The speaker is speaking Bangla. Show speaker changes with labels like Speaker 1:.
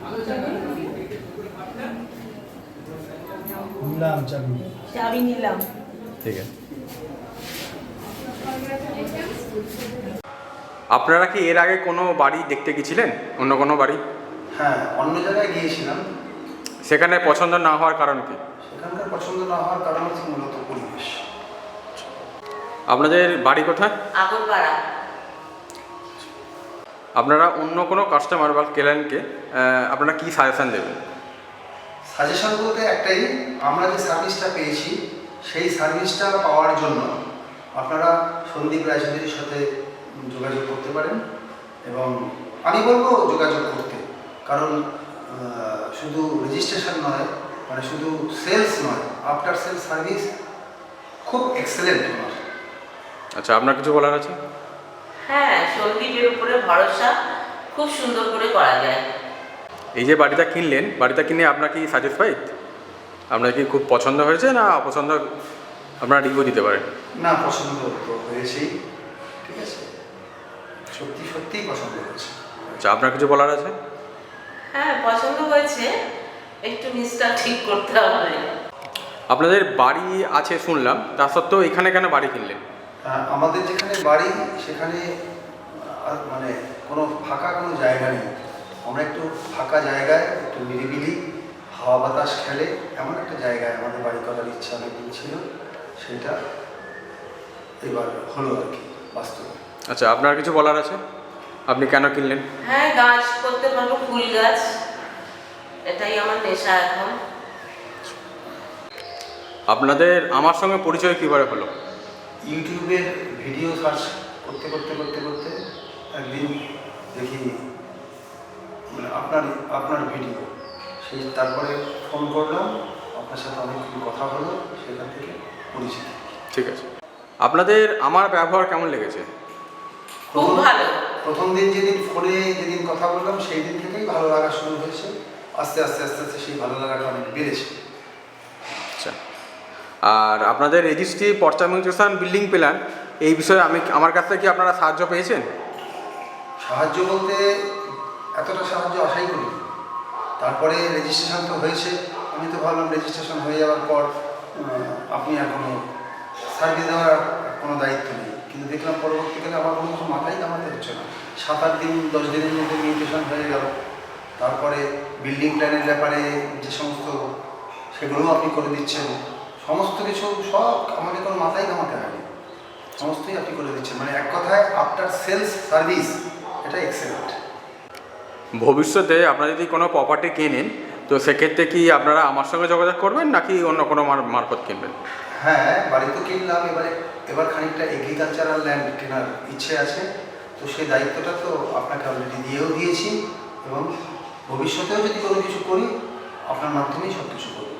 Speaker 1: নিলাম চাবি।
Speaker 2: চাবি নিলাম।
Speaker 3: ঠিক আছে। আপনারা কি এর আগে কোনো বাড়ি দেখতে গেছিলেন, অন্য কোনো বাড়ি?
Speaker 1: হ্যাঁ, অন্য জায়গায় গিয়েছিলাম।
Speaker 3: সেখানে পছন্দ না হওয়ার কারণ কি?
Speaker 1: সেখানকার পছন্দ না হওয়ার কারণ হচ্ছে মূলত পরিবেশ।
Speaker 3: আপনাদের বাড়ি কোথায়?
Speaker 2: আগরপাড়া।
Speaker 3: আপনারা অন্য কোনো কাস্টমার বা ক্লায়েন্টকে আপনারা কি সাজেশন দেবেন?
Speaker 1: সাজেশন বলতে একটাই, আমরা যে সার্ভিসটা পেয়েছি সেই সার্ভিসটা পাওয়ার জন্য আপনারা সন্দীপ রায়চৌধুরীর সাথে যোগাযোগ করতে পারেন। এবং আমি বলবো যোগাযোগ করতে, কারণ শুধু রেজিস্ট্রেশন নয়, মানে শুধু সেলস নয়, আফটার সেলস সার্ভিস খুব এক্সেলেন্ট আমার।
Speaker 3: আচ্ছা, আপনার কিছু বলার আছে?
Speaker 2: হ্যাঁ, সন্দীপের উপরে ভরসা খুব সুন্দর করে করা যায়।
Speaker 3: এই যে বাড়িটা কিনলেন, বাড়িটা কিনে আপনার কি স্যাটিসফাইড? আপনার কি খুব পছন্দ হয়েছে না অপছন্দ আপনারা রিভিউ দিতে পারেন?
Speaker 1: না, পছন্দ তো হয়েছেই, ঠিক আছে, সত্যি সত্যিই পছন্দ হয়েছে।
Speaker 3: আচ্ছা, আপনার কিছু বলার আছে?
Speaker 2: হ্যাঁ, পছন্দ হয়েছে, একটু নিচটা ঠিক করতে হবে।
Speaker 3: আপনাদের বাড়ি আছে শুনলাম, তা সত্ত্বেও এখানে কেন বাড়ি কিনলেন?
Speaker 1: আমাদের যেখানে বাড়ি সেখানে মানে কোনো ফাঁকা কোনো জায়গা নেই। আমরা একটু ফাঁকা জায়গায়, একটু নিরিবিলি হাওয়া বাতাস খেলে এমন একটা জায়গায় আমাদের বাড়ি করার ইচ্ছা অনেকদিন ছিল, সেটা এবার হলো আর কি, বাস্তবে।
Speaker 3: আচ্ছা, আপনার কিছু বলার আছে? আপনি কেন কিনলেন?
Speaker 2: হ্যাঁ, গাছ করতে পারবো, ফুল গাছ, এটাই আমার নেশা এখন।
Speaker 3: আপনাদের আমার সঙ্গে পরিচয় কীভাবে হলো?
Speaker 1: ইউটিউবের ভিডিও সার্চ করতে করতে করতে করতে একদিন দেখি মানে আপনার ভিডিও, সেই তারপরে ফোন করলাম, আপনার সাথে অনেকক্ষণ কথা হলো, সেখান থেকে পরিচিত।
Speaker 3: ঠিক আছে। আপনাদের আমার ব্যবহার কেমন লেগেছে?
Speaker 2: খুব ভালো।
Speaker 1: প্রথম দিন যেদিন কথা বললাম সেই দিন থেকেই ভালো লাগা শুরু হয়েছে। আস্তে আস্তে আস্তে আস্তে সেই ভালো লাগাটা অনেক বেড়েছে।
Speaker 3: আচ্ছা, আর আপনাদের রেজিস্ট্রি, পর্চা মিউটেশন, বিল্ডিং প্ল্যান, এই বিষয়ে আমার কাছ থেকে কি আপনারা সাহায্য পেয়েছেন?
Speaker 1: সাহায্য বলতে এতটা সাহায্য আশাই করি। তারপরে রেজিস্ট্রেশন তো হয়েছে, আমি তো ভাবলাম রেজিস্ট্রেশন হয়ে যাওয়ার পর আপনি আর কোনো সার্ভিস দেওয়ার কোনো দায়িত্ব নেই, কিন্তু দেখলাম পরবর্তীকালে আমার কোনো কিছু মাথায় কামাতে হচ্ছে না। 7-8 দিন 10 দিনের মধ্যে মিউটেশন হয়ে গেল। তারপরে বিল্ডিং প্ল্যানের ব্যাপারে যে সমস্ত, সেগুলোও আপনি করে দিচ্ছেন, সমস্ত কিছু সব আমাকে কোনো মাথায় কামাতে হয়নি, সমস্তই আপনি করে দিচ্ছেন। মানে এক কথায় আফটার সেলস সার্ভিস এটা এক্সেলেন্ট।
Speaker 3: ভবিষ্যতে আপনারা যদি কোনো প্রপার্টি কেনেন, তো সেক্ষেত্রে কি আপনারা আমার সঙ্গে যোগাযোগ করবেন নাকি অন্য কোনো মারফত কিনবেন?
Speaker 1: হ্যাঁ, বাড়ি তো কিনলাম, এবার খানিকটা এগ্রিকালচারাল ল্যান্ড কেনার ইচ্ছে আছে। তো সেই দায়িত্বটা তো আপনাকে অলরেডি দিয়েও দিয়েছি, এবং ভবিষ্যতেও যদি কোনো কিছু করি আপনার মাধ্যমেই সব কিছু করব।